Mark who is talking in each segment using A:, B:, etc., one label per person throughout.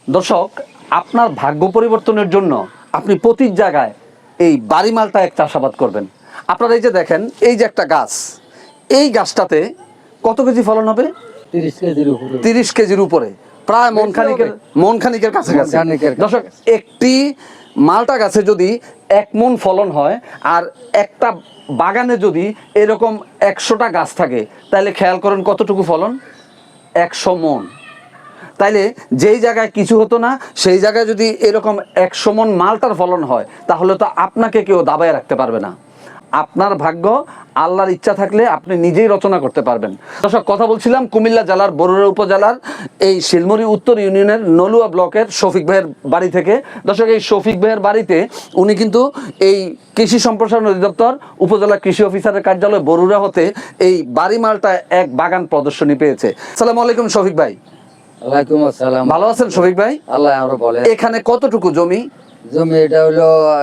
A: দর্শক, আপনার ভাগ্য পরিবর্তনের জন্য আপনি প্রতি জায়গায় এই বাড়ি মালটা এক চাষাবাদ করবেন। আপনারা এই যে দেখেন, এই যে একটা গাছ, এই গাছটাতে কত কেজি ফলন হবে?
B: 30 কেজির উপরে।
A: 30 কেজির উপরে, প্রায় মন খানিকের কাছাকাছি। দর্শক, একটি মালটা গাছে যদি 1 মণ ফলন হয় আর একটা বাগানে যদি এরকম 100টা গাছ থাকে, তাহলে খেয়াল করেন কতটুকু ফলন? 100 মণ। তাইলে যেই জায়গায় কিছু হতো না, সেই জায়গায় যদি এরকম 100 মণ মালটার ফলন হয়, তাহলে তো আপনাকে কেউ দাবায় রাখতে পারবে না। আপনার ভাগ্য আল্লাহর ইচ্ছা থাকলে আপনি নিজেই রচনা করতে পারবেন। দর্শক, কথা বলছিলাম কুমিল্লা জেলার বরুড়া উপজেলার এই শিলমরি উত্তর ইউনিয়নের নলুয়া ব্লকের শফিক ভাইয়ের বাড়ি থেকে। দর্শক, এই শফিক ভাইয়ের বাড়িতে উনি কিন্তু এই কৃষি সম্প্রসারণ অধিদপ্তর উপজেলা কৃষি অফিসারের কার্যালয় বরুড়া হতে এই বাড়ি মালটা এক বাগান প্রদর্শনী পেয়েছে। আসসালামু আলাইকুম শফিক ভাই।
B: ওয়ালাইকুম আসসালাম।
A: ভালো আছেন শফিক ভাই?
B: আল্লাহ আরো বলে।
A: এখানে কতটুকু জমি?
B: জমি এটা হলো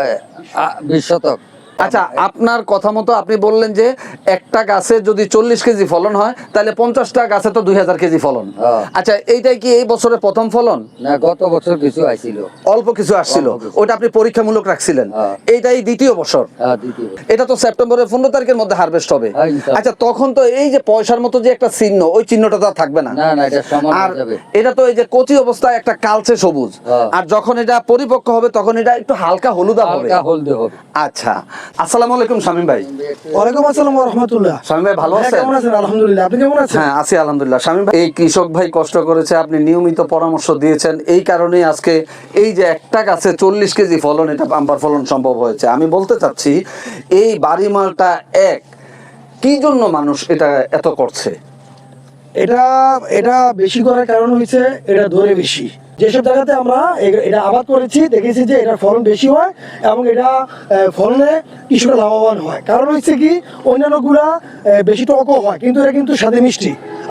B: 20 শতক।
A: আচ্ছা, আপনার কথা মতো আপনি বললেন যে একটা গাছে যদি 40 কেজি ফলন হয়, তাহলে 50টা গাছে তো 2000 কেজি ফলন। আচ্ছা, এইটাই কি এই বছরের প্রথম ফলন?
B: না, গত বছর কিছু আইছিল,
A: অল্প কিছু আসছিল,
B: অল্প কিছু।
A: ওটা আপনি পরীক্ষামূলক রাখছিলেন। এইটাই দ্বিতীয় বছর।
B: দ্বিতীয়।
A: এটা তো সেপ্টেম্বরের 15 তারিখের মধ্যে হারভেস্ট হবে।
B: ইনশাআল্লাহ।
A: আচ্ছা, তখন তো এই যে পয়সার মতো যে একটা চিহ্ন, ওই চিহ্নটা তো আর থাকবে না।
B: না না, এটা সমান
A: আর
B: হয়ে যাবে।
A: এটা তো এই যে কচি অবস্থায় একটা কালচে সবুজ, আর যখন এটা পরিপক্ক হবে তখন এটা একটু হালকা হলুদা হবে।
B: হালকা হলদে হবে।
A: আচ্ছা, আসসালামু আলাইকুম শামীম ভাই।
C: ওয়ালাইকুম আসসালাম ওয়া রাহমাতুল্লাহ।
A: শামীম ভাই ভালো
C: হ্যাঁ,
A: আছেন?
C: কেমন আছেন? আলহামদুলিল্লাহ। আপনি কেমন আছেন?
A: হ্যাঁ, আছি আলহামদুলিল্লাহ। শামীম ভাই, এই কৃষক ভাই কষ্ট করেছে, আপনি নিয়মিত পরামর্শ দিয়েছেন, এই কারণেই আজকে এই যে একটা গাছে 40 কেজি ফলন, এটা বাম্পার ফলন সম্ভব হয়েছে। আমি বলতে চাচ্ছি, এই বাড়ি মালটা এক কি জন্য মানুষ এটা এত করছে?
C: এটা এটা বেশি করার কারণ হচ্ছে এটা ধরে বেশি। যেসব জায়গাতে আমরা এটা আবাদ করেছি, দেখেছি যে এটার ফলন বেশি হয় এবং এটা ফলনে কৃষকরা লাভবান হয়। কারণ হচ্ছে কি, অন্যান্য গুলা বেশি টকও হয়, কিন্তু এটা কিন্তু স্বাদে মিষ্টি।